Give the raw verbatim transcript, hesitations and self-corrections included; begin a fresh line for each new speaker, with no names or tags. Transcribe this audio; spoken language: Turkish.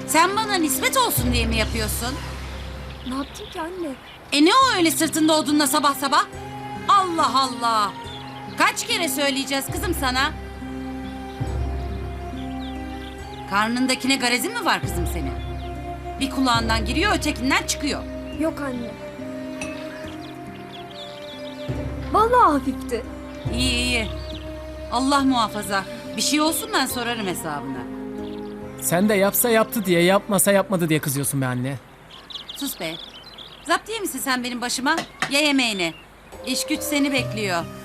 Sen bana nispet olsun diye mi yapıyorsun?
Ne yaptın ki anne?
E ne o öyle sırtında odunla sabah sabah? Allah Allah! Kaç kere söyleyeceğiz kızım sana? Karnındakine garezin mi var kızım senin? Bir kulağından giriyor, ötekinden çıkıyor.
Yok anne. Vallahi hafifti.
İyi iyi. Allah muhafaza. Bir şey olsun ben sorarım hesabını.
Sen de yapsa yaptı diye, yapmasa yapmadı diye kızıyorsun be anne.
Sus be. Zaptiye misin sen benim başıma? Ye yemeğini. İş güç seni bekliyor.